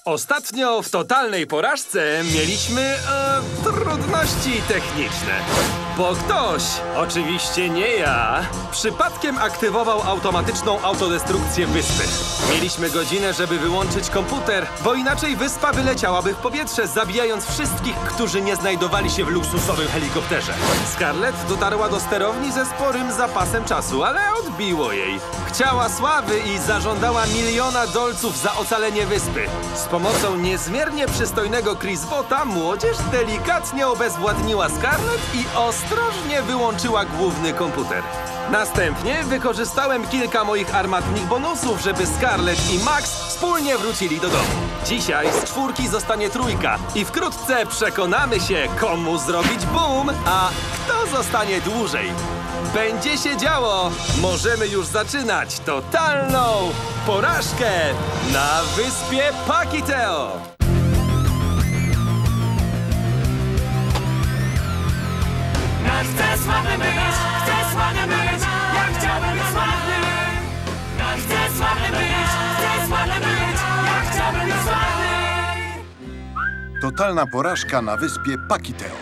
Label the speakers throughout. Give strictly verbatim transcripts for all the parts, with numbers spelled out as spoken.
Speaker 1: Ostatnio w totalnej porażce mieliśmy e, trudności techniczne. Bo ktoś, oczywiście nie ja, przypadkiem aktywował automatyczną autodestrukcję wyspy. Mieliśmy godzinę, żeby wyłączyć komputer, bo inaczej wyspa wyleciałaby w powietrze, zabijając wszystkich, którzy nie znajdowali się w luksusowym helikopterze. Scarlett dotarła do sterowni ze sporym zapasem czasu, ale odbiło jej. Chciała sławy i zażądała miliona dolców za ocalenie wyspy. Z pomocą niezmiernie przystojnego Chris Botta młodzież delikatnie obezwładniła Scarlett i ostrożnie wyłączyła główny komputer. Następnie wykorzystałem kilka moich armatnych bonusów, żeby Scarlett i Max wspólnie wrócili do domu. Dzisiaj z czwórki zostanie trójka i wkrótce przekonamy się, komu zrobić boom, a kto zostanie dłużej. Będzie się działo! Możemy już zaczynać totalną porażkę na wyspie Pakiteo!
Speaker 2: Ja chcę sławny być, chcę sławny być, ja chciałbym być sławny. Ja chcę sławny być, chcę sławny być, ja chciałbym być sławny.
Speaker 3: Totalna porażka na wyspie Pakiteo.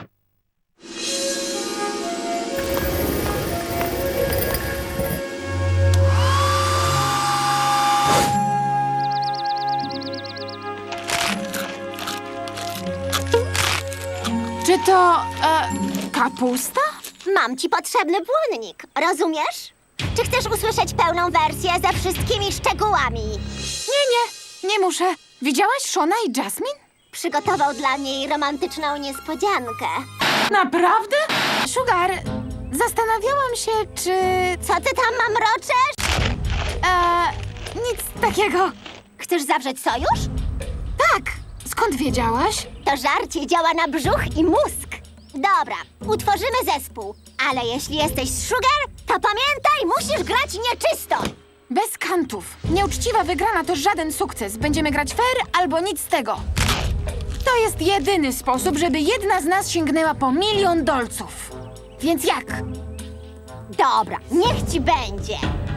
Speaker 4: Czy to e, kapusta?
Speaker 5: Mam ci potrzebny błonnik, rozumiesz? Czy chcesz usłyszeć pełną wersję ze wszystkimi szczegółami?
Speaker 4: Nie, nie, nie muszę. Widziałaś Shona i Jasmine?
Speaker 5: Przygotował dla niej romantyczną niespodziankę.
Speaker 4: Naprawdę? Sugar, zastanawiałam się, czy...
Speaker 5: Co ty tam mamroczesz?
Speaker 4: E, nic takiego.
Speaker 5: Chcesz zawrzeć sojusz?
Speaker 4: Tak, skąd wiedziałaś?
Speaker 5: To żarcie działa na brzuch i mózg. Dobra, utworzymy zespół. Ale jeśli jesteś z Sugar, to pamiętaj, musisz grać nieczysto.
Speaker 4: Bez kantów. Nieuczciwa wygrana to żaden sukces. Będziemy grać fair albo nic z tego. To jest jedyny sposób, żeby jedna z nas sięgnęła po milion dolców. Więc jak?
Speaker 5: Dobra, niech ci będzie.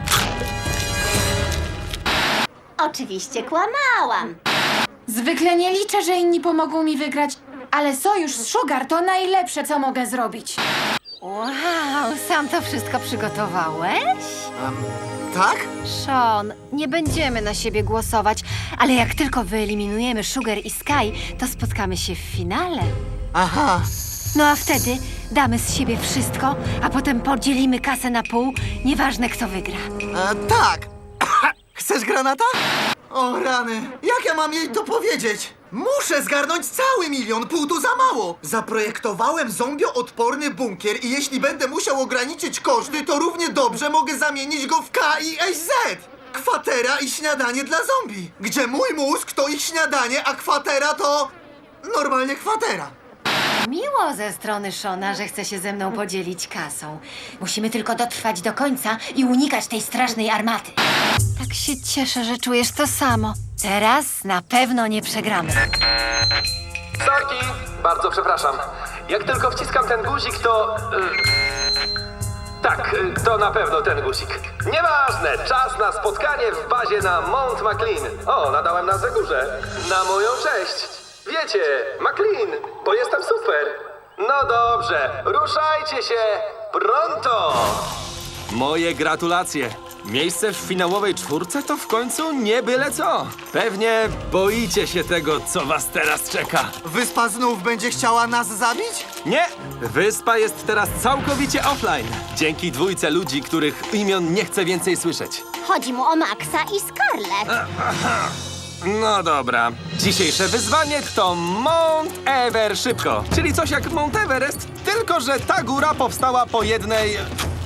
Speaker 5: Oczywiście kłamałam.
Speaker 4: Zwykle nie liczę, że inni pomogą mi wygrać, ale sojusz z Sugar to najlepsze, co mogę zrobić.
Speaker 6: Wow, sam to wszystko przygotowałeś?
Speaker 7: Tak?
Speaker 6: Sean, nie będziemy na siebie głosować, ale jak tylko wyeliminujemy Sugar i Sky, to spotkamy się w finale.
Speaker 7: Aha.
Speaker 6: No a wtedy damy z siebie wszystko, a potem podzielimy kasę na pół, nieważne kto wygra.
Speaker 7: E, tak. Chcesz granata? O rany, jak ja mam jej to powiedzieć? Muszę zgarnąć cały milion, pół to za mało. Zaprojektowałem zombio-odporny bunkier i jeśli będę musiał ograniczyć koszty, to równie dobrze mogę zamienić go w K I S Z. Kwatera i śniadanie dla zombie. Gdzie mój mózg to ich śniadanie, a kwatera to... normalnie kwatera.
Speaker 6: Miło ze strony Shona, że chce się ze mną podzielić kasą. Musimy tylko dotrwać do końca i unikać tej strasznej armaty. Tak się cieszę, że czujesz to samo. Teraz na pewno nie przegramy.
Speaker 1: Sorki, bardzo przepraszam. Jak tylko wciskam ten guzik, to... y, Tak, y, to na pewno ten guzik. Nieważne, czas na spotkanie w bazie na Mount McLean. O, nadałem nazwę górze. Na moją cześć. Wiecie, McLean, bo jestem super. No dobrze, ruszajcie się pronto. Moje gratulacje. Miejsce w finałowej czwórce to w końcu nie byle co. Pewnie boicie się tego, co was teraz czeka.
Speaker 7: Wyspa znów będzie chciała nas zabić?
Speaker 1: Nie! Wyspa jest teraz całkowicie offline. Dzięki dwójce ludzi, których imion nie chcę więcej słyszeć.
Speaker 5: Chodzi mu o Maxa i Scarlett.
Speaker 1: No dobra. Dzisiejsze wyzwanie to Mount Ever szybko. Czyli coś jak Mount Everest, tylko że ta góra powstała po jednej...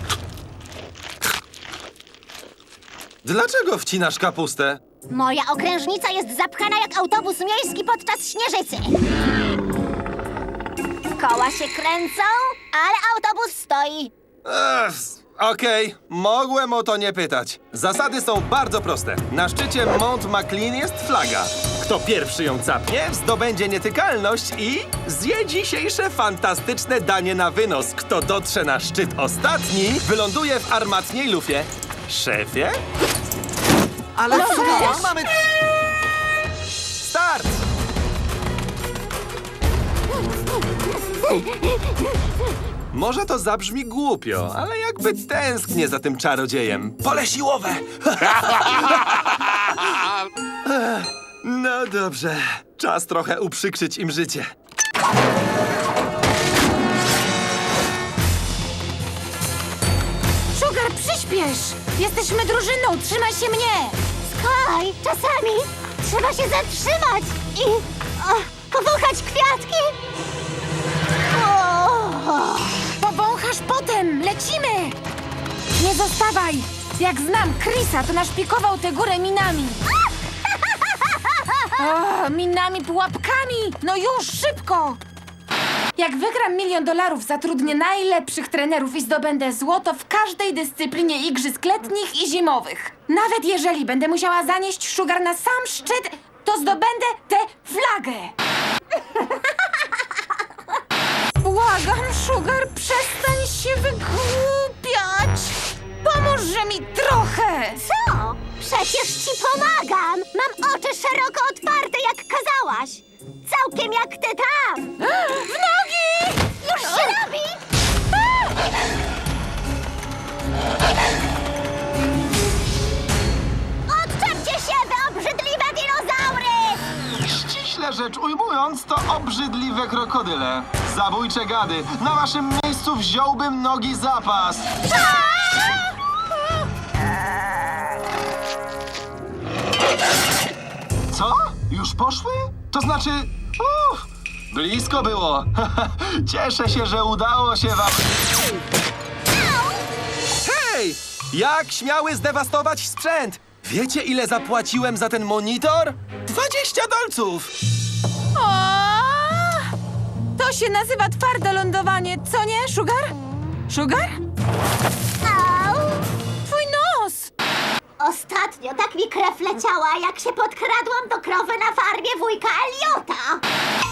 Speaker 1: Dlaczego wcinasz kapustę?
Speaker 5: Moja okrężnica jest zapchana jak autobus miejski podczas śnieżycy. Koła się kręcą, ale autobus stoi.
Speaker 1: Ech, Okej, mogłem o to nie pytać. Zasady są bardzo proste. Na szczycie Mount McLean jest flaga. Kto pierwszy ją capnie, zdobędzie nietykalność i zje dzisiejsze fantastyczne danie na wynos. Kto dotrze na szczyt ostatni, wyląduje w armatniej lufie. Szefie?
Speaker 7: Ale
Speaker 4: No
Speaker 7: co?
Speaker 4: weź.
Speaker 7: Mamy...
Speaker 1: Start! Może to zabrzmi głupio, ale jakby tęsknię za tym czarodziejem. Pole siłowe! Ech, no dobrze, czas trochę uprzykrzyć im życie.
Speaker 4: Sugar, przyspiesz! Jesteśmy drużyną, trzymaj się mnie!
Speaker 5: Sky, czasami trzeba się zatrzymać i o, powąchać kwiatki. O,
Speaker 4: Powąchasz potem, lecimy! Nie zostawaj! Jak znam Chrisa, to naszpikował tę górę minami. O, minami, pułapkami! No już, szybko! Jak wygram milion dolarów, zatrudnię najlepszych trenerów i zdobędę złoto w każdej dyscyplinie igrzysk letnich i zimowych. Nawet jeżeli będę musiała zanieść Sugar na sam szczyt, to zdobędę tę flagę. Błagam, Sugar, przestań się wygłupiać. Pomóżże mi trochę.
Speaker 5: co? Przecież ci pomagam. Mam oczy szeroko otwarte, jak kazałaś. Całkiem jak ty tam.
Speaker 4: W nogi!
Speaker 5: Już się robi. Odczepcie się, wy obrzydliwe dinozaury!
Speaker 8: Ściśle rzecz ujmując, to obrzydliwe krokodyle. Zabójcze gady. Na waszym miejscu wziąłbym nogi zapas. Co? Już poszły? To znaczy... Uff, blisko było. Cieszę się, że udało się wam...
Speaker 1: Hej! Jak śmiały zdewastować sprzęt? Wiecie, ile zapłaciłem za ten monitor? dwadzieścia dolców!
Speaker 4: O! To się nazywa twarde lądowanie, co nie, Sugar? Sugar?
Speaker 5: Au!
Speaker 4: Twój nos!
Speaker 5: Ostatnio tak mi krew leciała, jak się podkradłam do krowy na farmie wujka Eliota.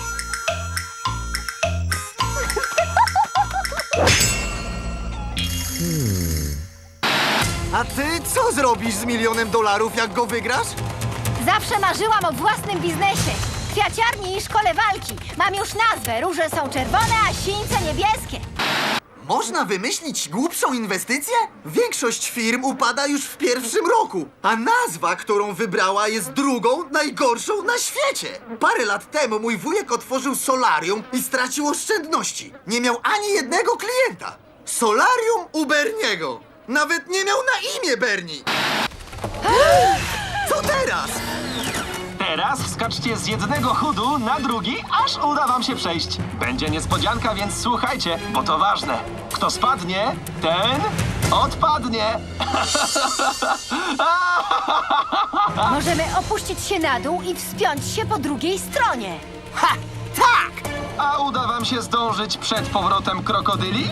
Speaker 7: A ty co zrobisz z milionem dolarów, jak go wygrasz?
Speaker 6: Zawsze marzyłam o własnym biznesie. Kwiaciarni i szkole walki. Mam już nazwę. Róże są czerwone, a sińce niebieskie.
Speaker 7: Można wymyślić głupszą inwestycję? Większość firm upada już w pierwszym roku, a nazwa, którą wybrała, jest drugą najgorszą na świecie. Parę lat temu mój wujek otworzył solarium i stracił oszczędności. Nie miał ani jednego klienta. Solarium u Berniego. Nawet nie miał na imię Berni. Co teraz?
Speaker 8: Teraz wskaczcie z jednego chudu na drugi, aż uda wam się przejść. Będzie niespodzianka, więc słuchajcie, bo to ważne. Kto spadnie, ten odpadnie.
Speaker 6: Możemy opuścić się na dół i wspiąć się po drugiej stronie.
Speaker 7: Ha! Tak!
Speaker 8: A uda wam się zdążyć przed powrotem krokodyli?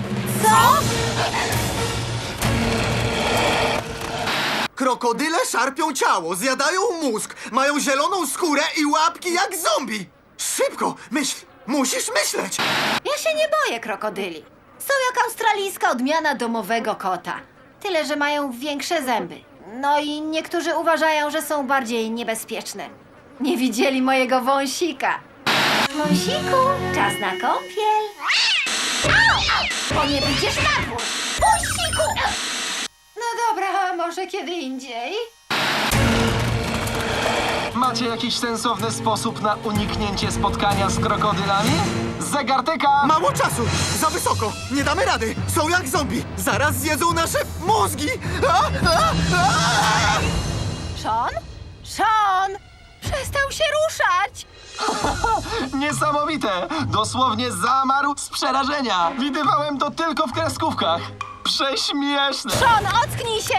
Speaker 7: Krokodyle szarpią ciało, zjadają mózg, mają zieloną skórę i łapki jak zombie. Szybko, myśl, musisz myśleć.
Speaker 6: Ja się nie boję krokodyli. Są jak australijska odmiana domowego kota. Tyle, że mają większe zęby. No i niektórzy uważają, że są bardziej niebezpieczne. Nie widzieli mojego wąsika. Wąsiku, czas na kąpiel. Bo nie wyjdziesz na dwór. Wąsiku! No dobra, może kiedy indziej.
Speaker 8: Macie jakiś sensowny sposób na uniknięcie spotkania z krokodylami? Zegartyka!
Speaker 7: Mało czasu, za wysoko, nie damy rady. Są jak zombie, zaraz zjedzą nasze mózgi. A, a, a!
Speaker 6: Sean? Sean! Przestał się ruszać!
Speaker 8: Niesamowite! Dosłownie zamarł z przerażenia. Widywałem to tylko w kreskówkach. Prześmieszne!
Speaker 6: Sean, ocknij się!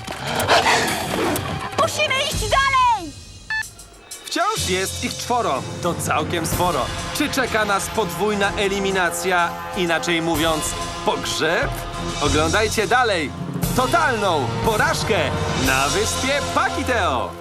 Speaker 6: Musimy iść dalej!
Speaker 1: Wciąż jest ich czworo. To całkiem sporo. Czy czeka nas podwójna eliminacja, inaczej mówiąc, pogrzeb? Oglądajcie dalej. Totalną porażkę na wyspie Pakiteo.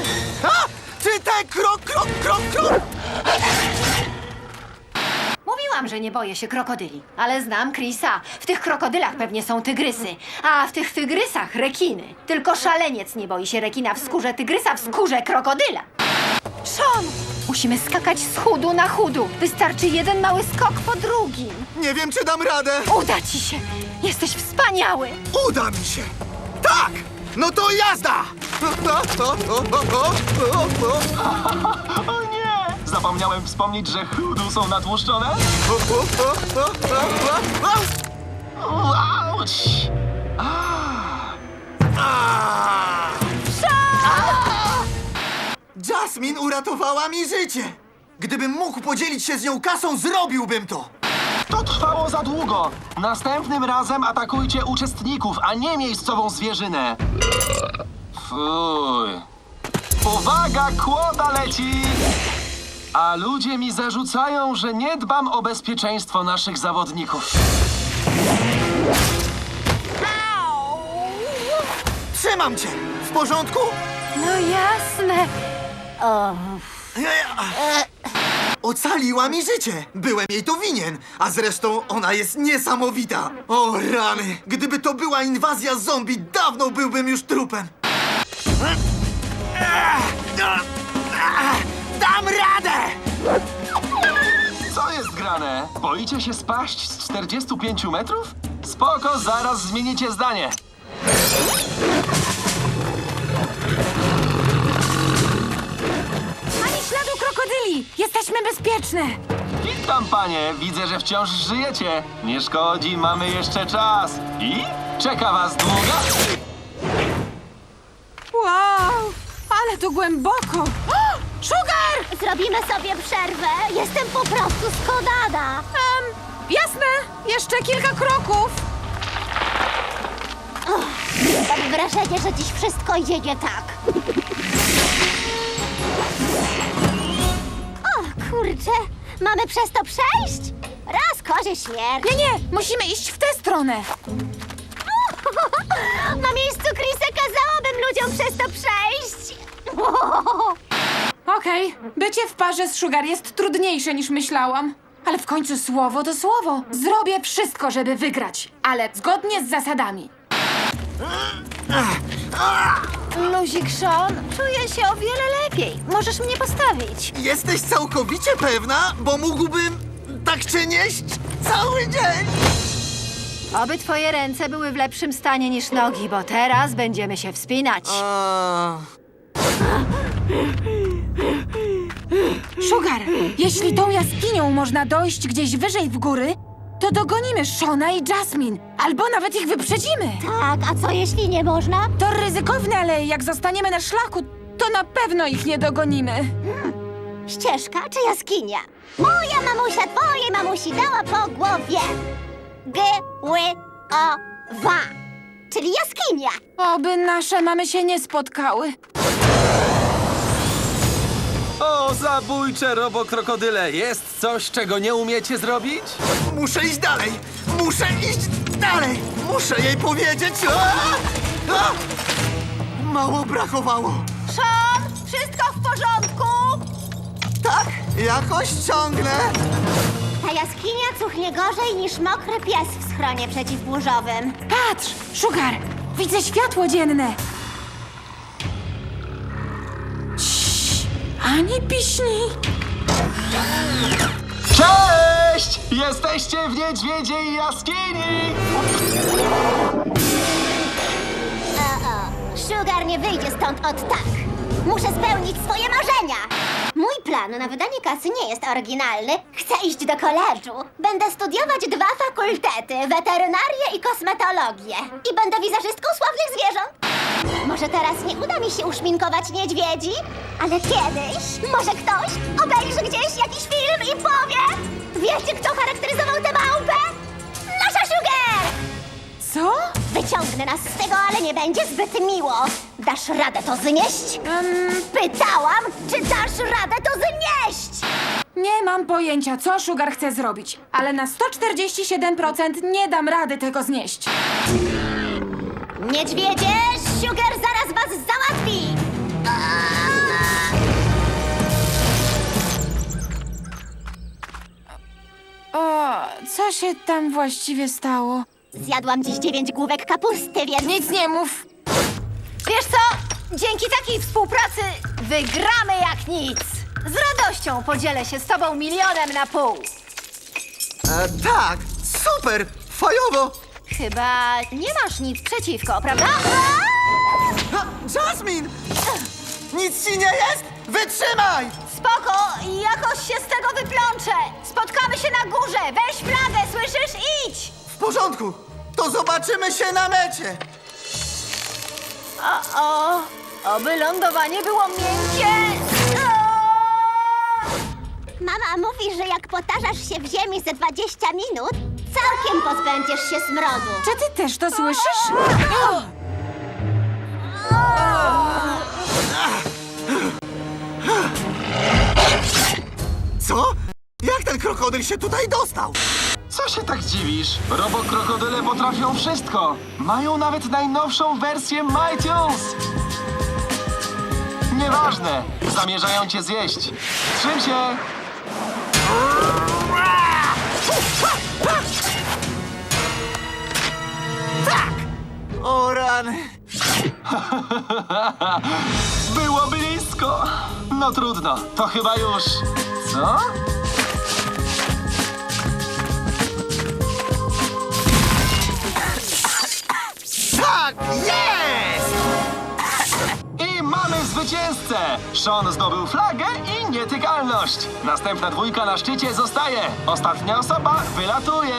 Speaker 7: A! Czy te krok, krok, krok, krok?
Speaker 6: Mówiłam Mówiłam, że nie boję się krokodyli, ale znam Chrisa. W tych krokodylach pewnie są tygrysy, a w tych tygrysach rekiny. Tylko szaleniec nie boi się rekina w skórze tygrysa, w skórze krokodyla. Sean! Musimy skakać z chudu na chudu. Wystarczy jeden mały skok po drugim.
Speaker 7: Nie wiem, czy dam radę.
Speaker 6: Uda ci się! Jesteś wspaniały!
Speaker 7: Uda mi się! Tak! No to jazda!
Speaker 8: O nie! Zapomniałem wspomnieć, że chudu są natłuszczone. Auć!
Speaker 7: Jasmine uratowała mi życie! Gdybym mógł podzielić się z nią kasą, zrobiłbym to!
Speaker 8: To trwało za długo. Następnym razem atakujcie uczestników, a nie miejscową zwierzynę. Fuj. Uwaga, kłoda leci! A ludzie mi zarzucają, że nie dbam o bezpieczeństwo naszych zawodników.
Speaker 7: Trzymam cię! W porządku?
Speaker 6: No jasne!
Speaker 7: Ocaliła mi życie! Byłem jej to winien! A zresztą ona jest niesamowita! O rany! Gdyby to była inwazja zombie, dawno byłbym już trupem! Dam radę!
Speaker 8: Co jest grane? Boicie się spaść z czterdziestu pięciu metrów? Spoko, zaraz zmienicie zdanie.
Speaker 4: Ani śladu krokodyli! Jesteśmy bezpieczne!
Speaker 8: Witam, panie. Widzę, że wciąż żyjecie. Nie szkodzi, mamy jeszcze czas. I czeka was długa...
Speaker 4: Wow! Ale to głęboko! O! Sugar!
Speaker 5: Zrobimy sobie przerwę. Jestem po prostu skonana.
Speaker 4: Um, jasne! Jeszcze kilka kroków!
Speaker 5: Mam wrażenie, że dziś wszystko idzie nie tak. O, kurczę. Mamy przez to przejść? Raz kozie śmierć.
Speaker 4: Nie, nie! Musimy iść w tę stronę!
Speaker 5: Na miejscu Chrisa kazałabym ludziom przez to przejść.
Speaker 4: Okej, bycie w parze z Sugar jest trudniejsze niż myślałam. Ale w końcu słowo to słowo. Zrobię wszystko, żeby wygrać, ale zgodnie z zasadami.
Speaker 6: Luzik, Sean, czuję się o wiele lepiej. Możesz mnie postawić.
Speaker 7: Jesteś całkowicie pewna? Bo mógłbym tak cię nieść cały dzień!
Speaker 6: Oby twoje ręce były w lepszym stanie niż nogi, bo teraz będziemy się wspinać.
Speaker 7: A...
Speaker 4: Sugar, jeśli tą jaskinią można dojść gdzieś wyżej w góry, to dogonimy Shona i Jasmine, albo nawet ich wyprzedzimy.
Speaker 5: Tak, a co jeśli nie można?
Speaker 4: To ryzykowne, ale jak zostaniemy na szlaku, to na pewno ich nie dogonimy.
Speaker 5: Ścieżka czy jaskinia? Moja mamusia twojej mamusi dała po głowie. G, ły, o, wa. Czyli jaskinia.
Speaker 4: Oby nasze mamy się nie spotkały.
Speaker 1: O, zabójcze robokrokodyle! Jest coś, czego nie umiecie zrobić?
Speaker 7: Muszę iść dalej! Muszę iść dalej! Muszę jej powiedzieć! A! A! Mało brakowało!
Speaker 6: Sean, wszystko w porządku?
Speaker 7: Tak, jakoś ciągnę!
Speaker 5: Ta jaskinia cuchnie gorzej niż mokry pies w schronie przeciwburzowym.
Speaker 4: Patrz, Sugar, widzę światło dzienne. Ciii, ani piśni.
Speaker 8: Cześć! Jesteście w niedźwiedziej jaskini!
Speaker 5: O-o, Sugar nie wyjdzie stąd od tak. Muszę spełnić swoje marzenia. Mój plan na wydanie kasy nie jest oryginalny. Chcę iść do koledżu. Będę studiować dwa fakultety, weterynarię i kosmetologię. I będę wizerzystką sławnych zwierząt. Może teraz nie uda mi się uszminkować niedźwiedzi, ale kiedyś może ktoś obejrzy gdzieś jakiś film i powie: wiecie, kto charakteryzował tę małpę? Nasza Sugar!
Speaker 4: Co?
Speaker 5: Wyciągnę nas z tego, ale nie będzie zbyt miło. Dasz radę to znieść?
Speaker 4: Um,
Speaker 5: Pytałam, czy dasz radę to znieść?
Speaker 4: nie mam pojęcia, co Sugar chce zrobić, ale na sto czterdzieści siedem procent nie dam rady tego znieść.
Speaker 5: Niedźwiedzie, Sugar zaraz was załatwi!
Speaker 4: O, Co się tam właściwie stało?
Speaker 5: Zjadłam dziś dziewięć główek kapusty, więc...
Speaker 4: Nic nie mów.
Speaker 6: Wiesz co? Dzięki takiej współpracy wygramy jak nic. Z radością podzielę się z tobą milionem na pół.
Speaker 7: E, tak, super, fajowo.
Speaker 6: Chyba nie masz nic przeciwko, prawda?
Speaker 7: Ha, Jasmine! Nic ci nie jest? Wytrzymaj!
Speaker 6: Spoko, jakoś się z tego wyplączę. Spotkamy się na górze. Weź flagę, słyszysz? Idź!
Speaker 7: W porządku, to zobaczymy się na mecie.
Speaker 6: O, o, oby lądowanie było miękkie. O!
Speaker 5: Mama mówi, że jak potarzasz się w ziemi ze dwadzieścia minut, całkiem pozbędziesz się smrodu.
Speaker 4: Czy ty też to słyszysz?
Speaker 7: Co? Jak ten krokodyl się tutaj dostał?
Speaker 8: Co się tak dziwisz? Robokrokodyle potrafią wszystko. Mają nawet najnowszą wersję MyTunes. Nieważne. Zamierzają cię zjeść. Trzym się.
Speaker 7: O rany.
Speaker 8: Było blisko. No trudno. To chyba już... Co?
Speaker 7: Tak, jest!
Speaker 8: I mamy zwycięzcę! Sean zdobył flagę i nietykalność. Następna dwójka na szczycie zostaje. Ostatnia osoba wylatuje.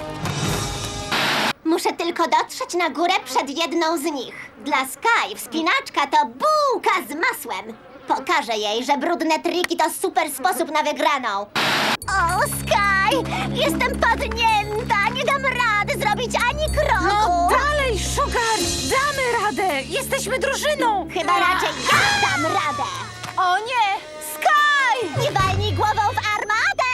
Speaker 5: Muszę tylko dotrzeć na górę przed jedną z nich. Dla Sky wspinaczka to bułka z masłem. Pokażę jej, że brudne triki to super sposób na wygraną. O, Sky! Jestem padnięta! Nie dam rady zrobić ani kroku!
Speaker 4: No dalej, Sugar! Damy radę! Jesteśmy drużyną!
Speaker 5: Chyba raczej ja dam radę!
Speaker 6: O nie! Sky!
Speaker 5: Nie walnij głową w armatę!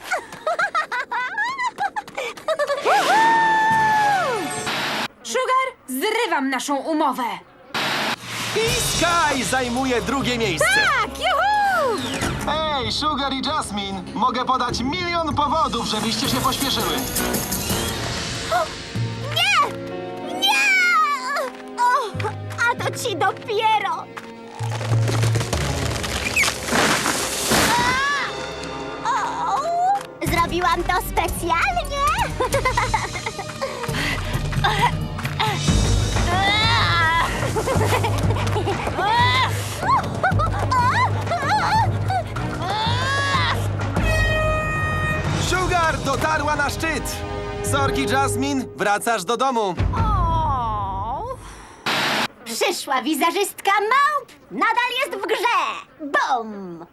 Speaker 4: Sugar, zrywam naszą umowę!
Speaker 1: I Sky zajmuje drugie miejsce.
Speaker 4: Tak, juhu!
Speaker 8: Ej, Sugar i Jasmine, mogę podać milion powodów, żebyście się pośpieszyły.
Speaker 5: Nie! Nie! O, a to ci dopiero! A! O, zrobiłam to specjalnie!
Speaker 1: Sugar dotarła na szczyt. Sorki, Jasmine, wracasz do domu.
Speaker 6: O!
Speaker 5: Przyszła wizerzystka małp nadal jest w grze! Bum!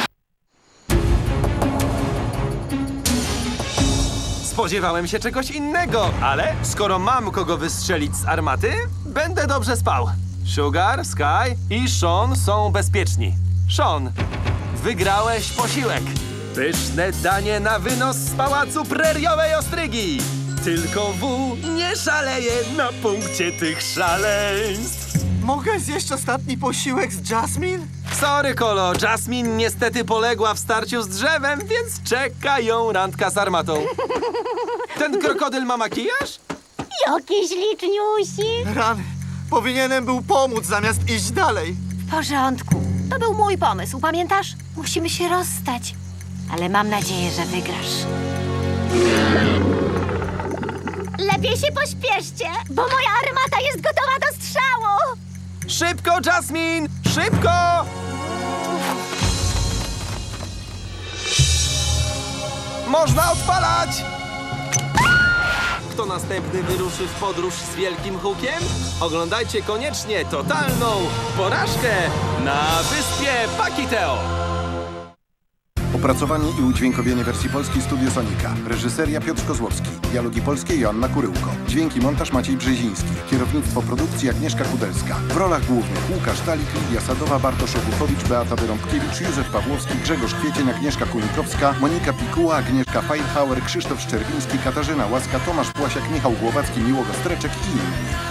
Speaker 1: Spodziewałem się czegoś innego, ale skoro mam kogo wystrzelić z armaty, będę dobrze spał. Sugar, Sky i Sean są bezpieczni. Sean, wygrałeś posiłek. Pyszne danie na wynos z pałacu preriowej ostrygi. Tylko W nie szaleje na punkcie tych szaleństw.
Speaker 7: Mogę zjeść ostatni posiłek z Jasmine?
Speaker 1: Sorry, Kolo, Jasmine niestety poległa w starciu z drzewem, więc czeka ją randka z armatą. Ten krokodyl ma makijaż?
Speaker 5: Jakiś liczniusi!
Speaker 7: Rany. Powinienem był pomóc zamiast iść dalej.
Speaker 6: W porządku. To był mój pomysł, pamiętasz? Musimy się rozstać. Ale mam nadzieję, że wygrasz.
Speaker 5: Lepiej się pośpieszcie, bo moja armata jest gotowa do strzału!
Speaker 1: Szybko, Jasmine! Szybko! Można odpalać! Kto następny wyruszy w podróż z wielkim hukiem? Oglądajcie koniecznie totalną porażkę na wyspie Pakiteo!
Speaker 3: Opracowanie i udźwiękowienie wersji polskiej Studio Sonika. Reżyseria Piotr Kozłowski. Dialogi polskie Joanna Kuryłko. Dźwięki montaż Maciej Brzeziński. Kierownictwo produkcji Agnieszka Kudelska. W rolach głównych Łukasz Dalik, Lidia Sadowa, Bartosz Obuchowicz, Beata Wyrąbkiewicz, Józef Pawłowski, Grzegorz Kwiecień, Agnieszka Kunikowska, Monika Pikuła, Agnieszka Feilhauer, Krzysztof Szczerbiński, Katarzyna Łaska, Tomasz Płasiak, Michał Głowacki, Miłogo Streczek i inni.